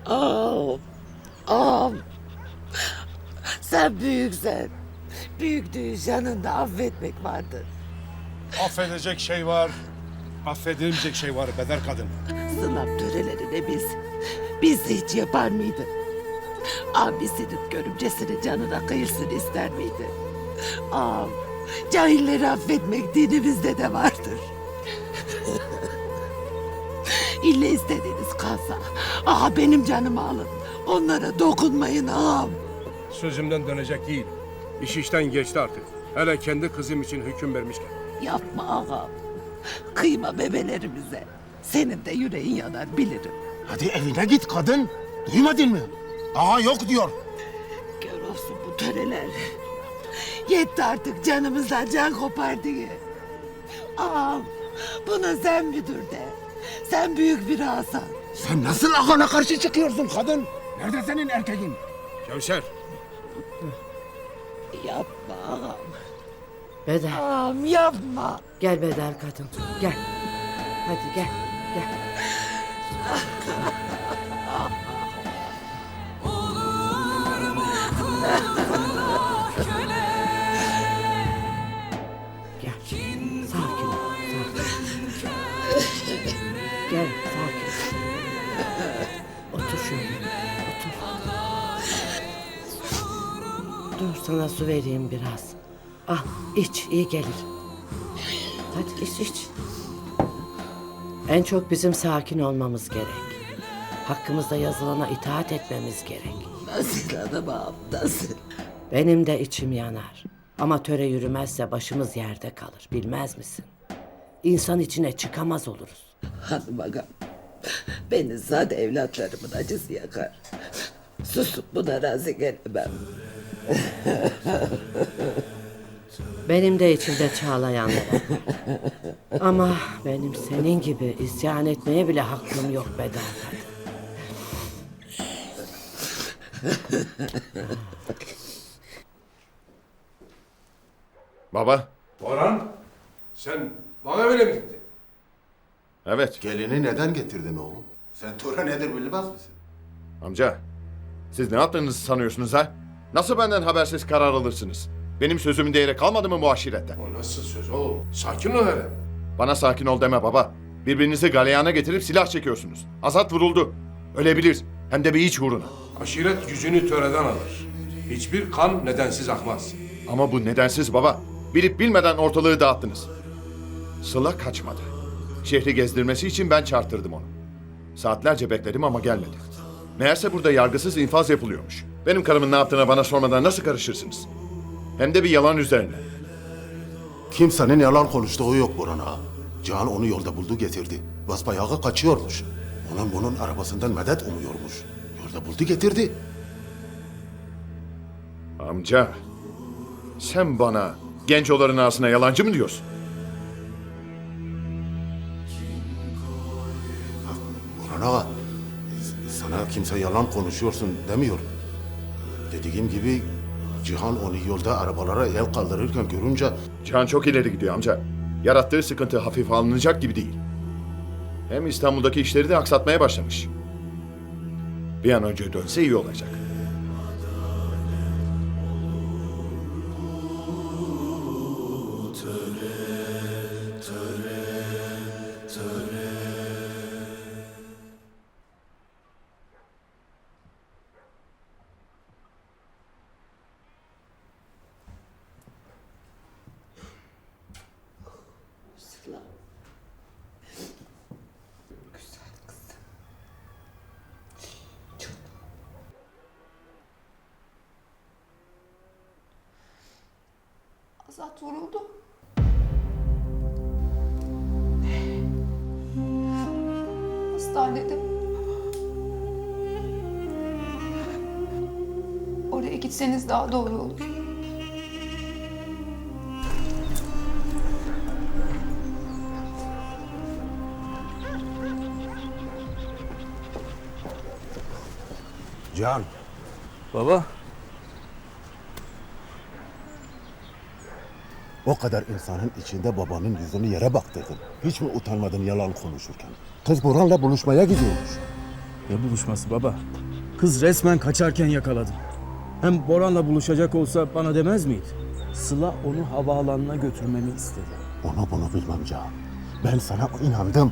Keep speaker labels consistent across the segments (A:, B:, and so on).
A: Ağam, ağam. Sen büyüksen. Büyüklüğün yanında affetmek vardır.
B: Affedecek şey var, affedilmeyecek şey var Bedar kadın.
A: Sınav törelerine biz hiç yapar mıydı? Abisinin görümcesini canına kıyırsın ister miydi? Ağam, cahilleri affetmek dinimizde de vardır. İlle istediğiniz kalsa, benim canımı alın. Onlara dokunmayın ağam.
B: Sözümden dönecek değil. İş işten geçti artık. Hele kendi kızım için hüküm vermişken.
A: Yapma ağam. Kıyma bebelerimize. Senin de yüreğin yanar bilirim.
C: Hadi evine git kadın. Duymadın mı? Ağa yok diyor.
A: Gör olsun bu töreler. Yetti artık canımızdan can kopar diye. Ağam buna sen müdür de. Sen büyük bir ağasan.
C: Sen nasıl ağana karşı çıkıyorsun kadın? Nerede senin erkeğin?
B: Kevser,
A: Yapma ağam.
D: Bedar,
A: Ağam yapma.
D: gel Bedar kadın, gel. Hadi gel, gel. Gel, sakin ol, sakin. Gel, sakin. Otur şöyle, otur. Dur sana su vereyim biraz. Al, iç, iyi gelir. Hadi iç. En çok bizim sakin olmamız gerek. Hakkımızda yazılana itaat etmemiz gerek.
A: Nasıl hanım ağam nasıl?
D: Benim de içim yanar. Ama töre yürümezse başımız yerde kalır. Bilmez misin? İnsan içine çıkamaz oluruz.
A: Hanım ağam. Beni zat evlatlarımın acısı yakar. Susup buna razı gelemem.
D: Benim de içimde çağlayanlar var. Ama benim senin gibi isyan etmeye bile hakkım yok Bedar kadın.
E: Baba,
B: Orhan, sen bana öyle mi gittin?
E: evet.
C: Gelini neden getirdin oğlum? Sen töre nedir bilmez misin?
E: Amca, siz ne yaptığınızı sanıyorsunuz ha? Nasıl benden habersiz karar alırsınız? Benim sözümün değeri kalmadı mı bu aşirette?
B: O nasıl söz oğlum? Sakin ol hele.
E: Bana sakin ol deme baba. Birbirinizi galeyana getirip silah çekiyorsunuz. Azat vuruldu. Ölebilir. Hem de bir iç uğruna.
B: Aşiret gücünü töreden alır. Hiçbir kan nedensiz akmaz.
E: Ama bu nedensiz baba. Bilip bilmeden ortalığı dağıttınız. Sıla kaçmadı. Şehri gezdirmesi için ben çarptırdım onu. Saatlerce bekledim ama gelmedi. Meğerse burada yargısız infaz yapılıyormuş. Benim karımın ne yaptığına bana sormadan nasıl karışırsınız? Hem de bir yalan üzerine.
C: Kimsenin yalan konuştuğu yok Burhan ağa. Cihan onu yolda buldu getirdi. Basbayağı kaçıyormuş. Bunun arabasından medet umuyormuş. Yolda buldu getirdi.
E: Amca, sen bana gencoların ağasına yalancı mı diyorsun?
C: Burhan ağa, sana kimse yalan konuşuyorsun demiyor. Dediğim gibi Cihan onu yolda arabalara el kaldırırken görünce
E: Cihan çok ileri gidiyor amca. Yarattığı sıkıntı hafife alınacak gibi değil. Hem İstanbul'daki işleri de aksatmaya başlamış. Bir an önce dönse iyi olacak.
A: Sıla. Güzel kızım.
F: Azat vuruldu. Hastanede. Oraya gitseniz daha doğru olur.
C: Cihan,
G: Baba,
C: o kadar insanın içinde babanın yüzünü yere baktırdın. Hiç mi utanmadın yalan konuşurken? Kız Burhan'la buluşmaya gidiyormuş.
G: Ne buluşması baba? Kız resmen kaçarken yakaladım. Hem Boran'la buluşacak olsa bana demez miydi? Sıla onu havaalanına götürmemi istedi.
C: Onu bunu bilmem Can. Ben sana inandım.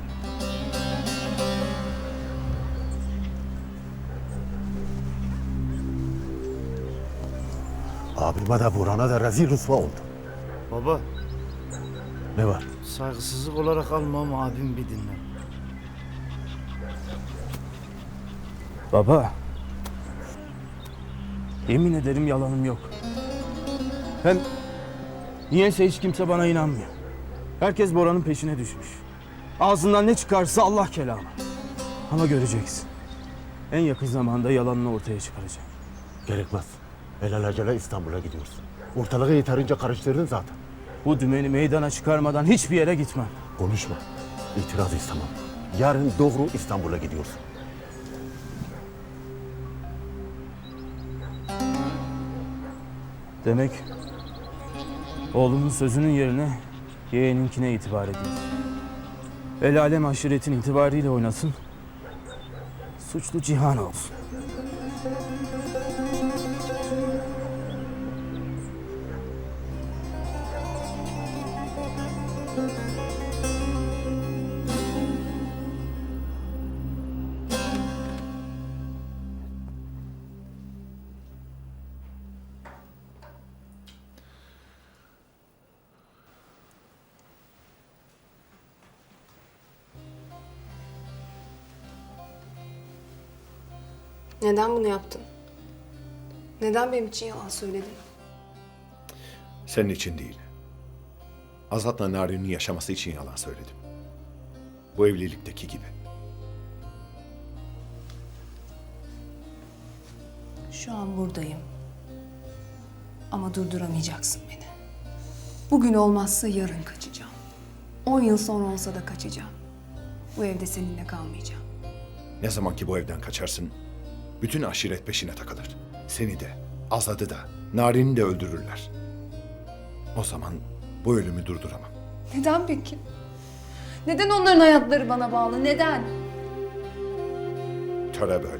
C: Abime de Burhan'a da rezil rüsva oldu.
H: Baba,
C: Ne var?
H: saygısızlık olarak alma ama abim bir dinle.
G: Baba. Yemin ederim yalanım yok. Hem niyeyse hiç kimse bana inanmıyor. Herkes Bora'nın peşine düşmüş. Ağzından ne çıkarsa Allah kelamı. Ama göreceksin. En yakın zamanda yalanını ortaya çıkaracak.
C: Gerekmez. Alelacele İstanbul'a gidiyorsun. Ortalığı yeterince karıştırdın zaten.
G: Bu dümeni meydana çıkarmadan hiçbir yere gitmem.
C: Konuşma. İtiraz istemem. Yarın doğru İstanbul'a gidiyorsun.
G: Demek oğlumun sözünün yerine yeğeninkine itibar ediyor. El alem aşiretin itibarıyla oynasın. Suçlu Cihan olsun.
F: Neden bunu yaptın? Neden benim için yalan söyledin?
E: Senin için değil. Azat'la Narin'in yaşaması için yalan söyledim. Bu evlilikteki gibi.
F: Şu an buradayım. Ama durduramayacaksın beni. Bugün olmazsa yarın kaçacağım. 10 yıl sonra olsa da kaçacağım. Bu evde seninle kalmayacağım.
E: Ne zaman ki bu evden kaçarsın, bütün aşiret peşine takılır. Seni de, Azat'ı da, Narin'i de öldürürler. O zaman bu ölümü durduramam.
F: Neden peki? Neden onların hayatları bana bağlı? Neden?
E: Töre böyle.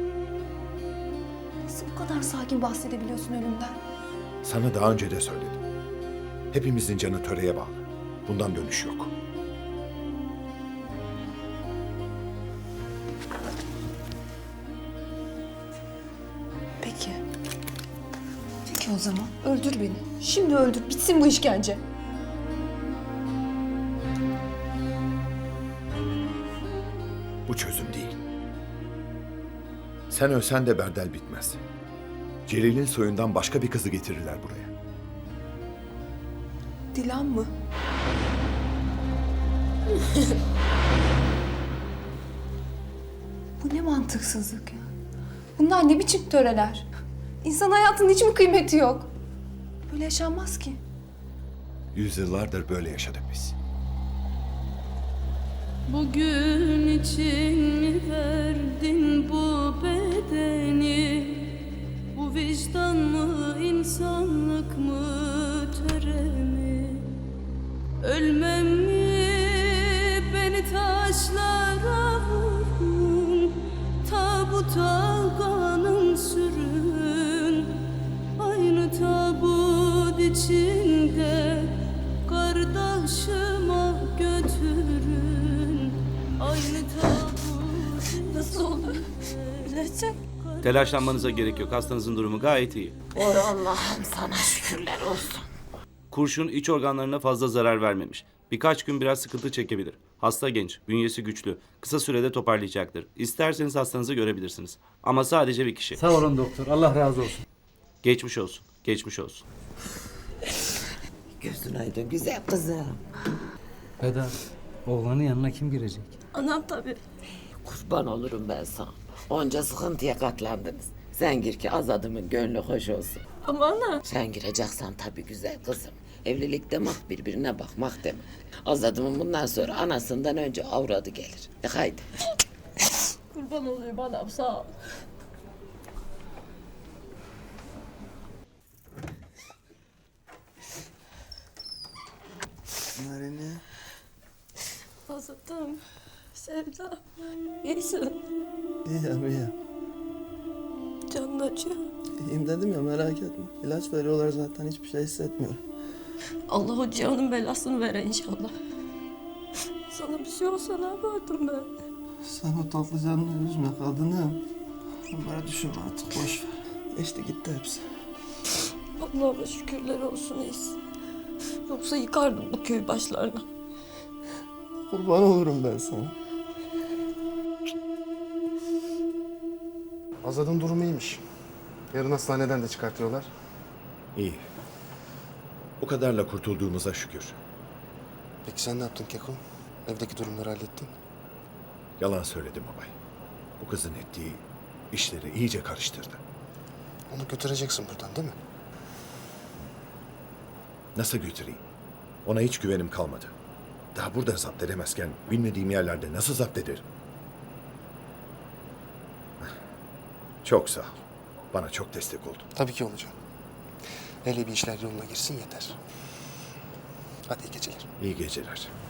F: Nasıl bu kadar sakin bahsedebiliyorsun ölümden?
E: Sana daha önce de söyledim. Hepimizin canı töreye bağlı. Bundan dönüş yok.
F: Peki. Peki o zaman öldür beni. Şimdi öldür. Bitsin bu işkence.
E: Bu çözüm değil. Sen ölsen de berdel bitmez. Celil'in soyundan başka bir kızı getirirler buraya.
F: Dilan mı? Bu ne mantıksızlık ya? Bunlar ne biçim töreler? İnsan hayatının hiç mi kıymeti yok? Böyle yaşanmaz ki.
E: Yüzyıllardır böyle yaşadık biz.
I: Bugün için mi verdin bu bedeni? Bu vicdan mı, insanlık mı, töre mi? Ölmem mi, beni taşlara vurun, tabuta kanım sürün. Aynı tabut içinde kardeşime götürün. Aynı tabut. Nasıl olur? Bilecek.
J: Telaşlanmanıza gerek yok. Hastanızın durumu gayet iyi.
A: Oy Allah'ım sana şükürler olsun.
J: Kurşun iç organlarına fazla zarar vermemiş. Birkaç gün biraz sıkıntı çekebilir. Hasta genç, bünyesi güçlü. Kısa sürede toparlayacaktır. İsterseniz hastanızı görebilirsiniz. Ama sadece bir kişi.
H: Sağ olun doktor, Allah razı olsun.
J: Geçmiş olsun. Geçmiş olsun.
A: Gözün aydın güzel kızım.
H: Eda, oğlanın yanına kim girecek?
I: Anam tabii.
A: Kurban olurum ben sana. Onca sıkıntıya katlandınız. Sen gir ki Azad'ımın gönlü hoş olsun.
I: Ama ana.
A: Sen gireceksen tabii güzel kızım. Evlilik demek birbirine bakmak demek. Azad'ımın bundan sonra anasından önce avradı gelir. Haydi.
I: Kurban olayım anam sağ ol.
H: Narin'e.
I: Azat'ım. Sevda, iyisin.
K: İyiyim.
I: Canın acıyor.
K: İyiyim dedim ya, merak etme. İlaç veriyorlar zaten, hiçbir şey hissetmiyorum.
I: Allah o Cihan'ın belasını vere inşallah. Sana bir şey olsa ne yapardım ben?
K: Sen o tatlı canını üzme kadınım. Bunları düşünme artık, boş ver. Geçti gitti hepsi.
I: Allah'ıma şükürler olsun iyisin. Yoksa yıkardım bu köy başlarına.
K: Kurban olurum ben sana.
L: Azad'ın durumu iyiymiş. Yarın hastaneden de çıkartıyorlar.
E: İyi. O kadarla kurtulduğumuza şükür.
L: Peki sen ne yaptın Keko? Evdeki durumları hallettin.
E: Yalan söyledim babay. Bu kızın ettiği işleri iyice karıştırdı.
L: Onu götüreceksin buradan değil mi?
E: Nasıl götüreyim? Ona hiç güvenim kalmadı. Daha burada zapt edemezken bilmediğim yerlerde nasıl zapt ederim? Çok sağ ol. Bana çok destek oldun.
L: Tabii ki olacağım. Hele bir işler yoluna girsin yeter. Hadi iyi geceler.
E: İyi geceler.